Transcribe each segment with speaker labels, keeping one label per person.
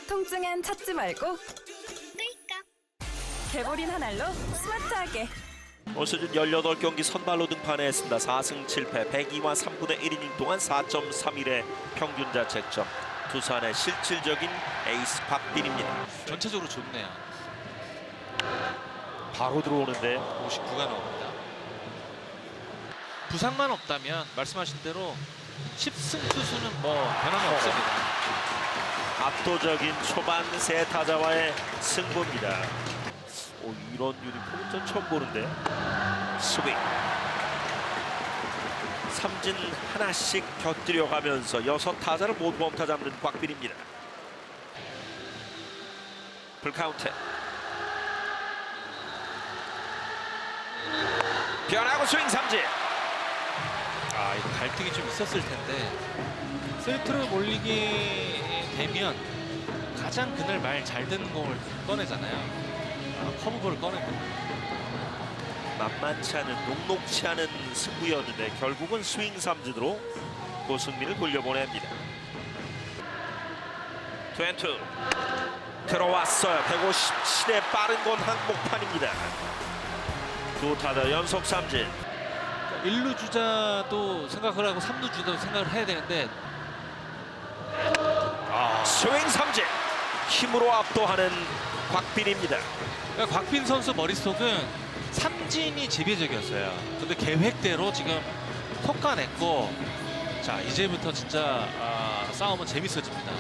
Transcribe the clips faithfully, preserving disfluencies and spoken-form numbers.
Speaker 1: 통증엔 찾지 말고 개보린 한 알로 스마트하게.
Speaker 2: 올 시즌 열여덟 경기 선발로 등판했습니다. 사 승 칠 패 백이와 삼분의 일 이닝 동안 사 점 삼일의 평균 자책점. 두산의 실질적인 에이스 박빈입니다.
Speaker 3: 전체적으로 좋네요.
Speaker 2: 바로 들어오는데
Speaker 3: 오십구가 나옵니다. 부상만 없다면 말씀하신 대로 십 승 투수는 뭐 변함이
Speaker 2: 어.
Speaker 3: 없습니다.
Speaker 2: 압도적인 초반 세 타자와의 승부입니다. 오, 이런 유니폼은 전 처음 보는데. 스윙. 삼진 하나씩 곁들여가면서 여섯 타자를 모두 범타 잡는 곽빈입니다. 풀카운트. 변하고 스윙 삼진.
Speaker 3: 아, 이거 갈등이 좀 있었을 텐데 세트를 몰리게 되면 가장 그날 말 잘 듣는 공을 꺼내잖아요. 아, 커브볼을 꺼냈거든요.
Speaker 2: 만만치 않은 녹록치 않은 승부였는데 결국은 스윙 삼진으로 고승민을 돌려보냅니다. 투앤투 들어왔어요. 백오십칠의 빠른 건 한복판입니다. 두 타자 연속 삼진.
Speaker 3: 일 루 주자도 생각을 하고 삼 루 주자도 생각을 해야 되는데 아,
Speaker 2: 스윙 삼진. 힘으로 압도하는 곽빈입니다.
Speaker 3: 그러니까 곽빈 선수 머릿속은 삼진이 지배적이었어요. 근데 계획대로 지금 솎아냈고, 자 이제부터 진짜 아, 싸움은 재밌어집니다.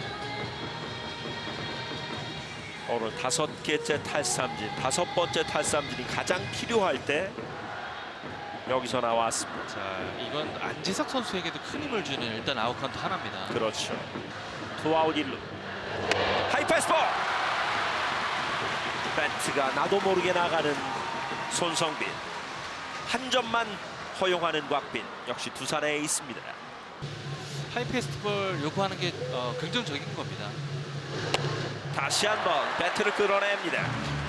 Speaker 2: 오늘 다섯 개째 탈삼진, 다섯 번째 탈삼진이 가장 필요할 때 여기서 나왔습니다.
Speaker 3: 자 이건 안지석 선수에게도 큰 힘을 주는 일단 아웃 카운트 하나입니다.
Speaker 2: 그렇죠. 투아웃 일 루. 하이패스볼. 배트가 나도 모르게 나가는 손성빈. 한 점만 허용하는 곽빈. 역시 두산의 에이스입니다.
Speaker 3: 하이패스트볼 요구하는 게 어, 긍정적인 겁니다.
Speaker 2: 다시 한번 배트를 끌어냅니다.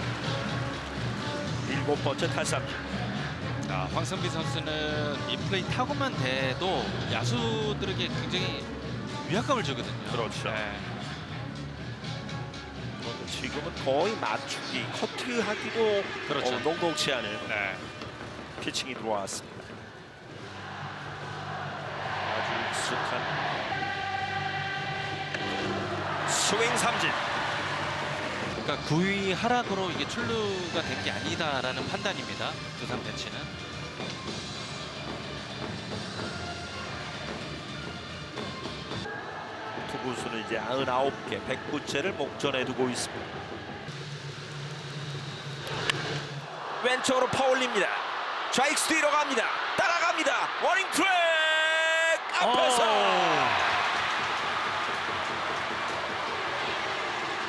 Speaker 2: 일곱 번째 탈삼진.
Speaker 3: 자, 황성빈 선수는 이 플레이 타고만 돼도 야수들에게 굉장히 위압감을 주거든요.
Speaker 2: 그렇죠.
Speaker 3: 네.
Speaker 2: 지금은 거의 맞추기, 커트하기도
Speaker 3: 그렇죠.
Speaker 2: 어, 녹록치 않은
Speaker 3: 네.
Speaker 2: 피칭이 들어왔습니다. 아주 익숙한 스윙 삼진.
Speaker 3: 그러니까 구 위 하락으로 이게 출루가 된 게 아니다라는 판단입니다. 두산 벤치는.
Speaker 2: 투구수는 이제 구십구 개, 백구 채를 목전에 두고 있습니다. 왼쪽으로 퍼올립니다. 좌익수 뒤로 갑니다. 따라갑니다. 워닝 트랙 앞에서